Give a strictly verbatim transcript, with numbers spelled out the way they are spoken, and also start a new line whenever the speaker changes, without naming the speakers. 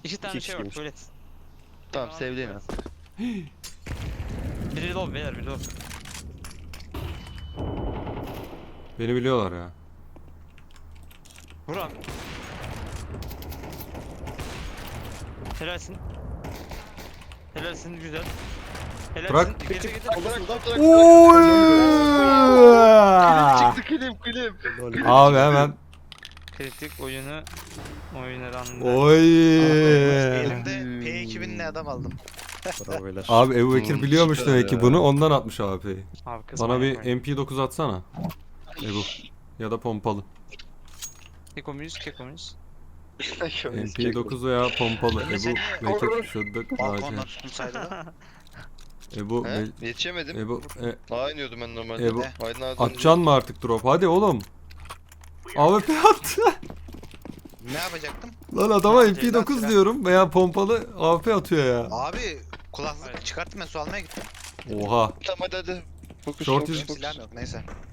İki tane
İki
şey var
kişiymiş.
tuvalet.
Tamam sevdiğin ha.
Biri low beyler biri low.
Beni biliyorlar ya.
Vur abi. Helalsin. Helalsin güzel. Helalsin.
Bırak.
Getir getir.
Bırak bırak bırak.
Oy!
Çıktı kilim kilim.
Abi hemen.
Kritik oyunu oynarandı.
Oy!
Elimde P iki binli adam aldım.
Bravo beyler.
Abi Ebu Bekir
Hmm,
biliyormuş
süper
demek ki
ya.
bunu, ondan atmış A P'yi.
Abi kız
Bana
manyak
bir
oyun.
M P dokuz atsana. Ebu. Ya da pompalı.
Keko muyuz keko muyuz?
M P dokuz veya pompalı.
Ben de
Ebu
seni
Bekir şuddık.
Balkondan tuttum saydı.
Ebu
He?
Be-
Yetişemedim.
Ebu e,
Daha iniyordum ben normalde.
Ebu
Aydın abi.
atacaksın mı artık drop? Hadi oğlum. A W P attı.
Ne yapacaktım?
Lan adama
Ya,
M P dokuz
Ceylan
diyorum veya pompalı A W P atıyor ya.
Abi kulaklık
Evet.
çıkarttım ben su almaya gittim.
Oha.
Tamam hadi hadi. Fokus
Short
fokus
is-
Benim
fokus.
silahım yok neyse.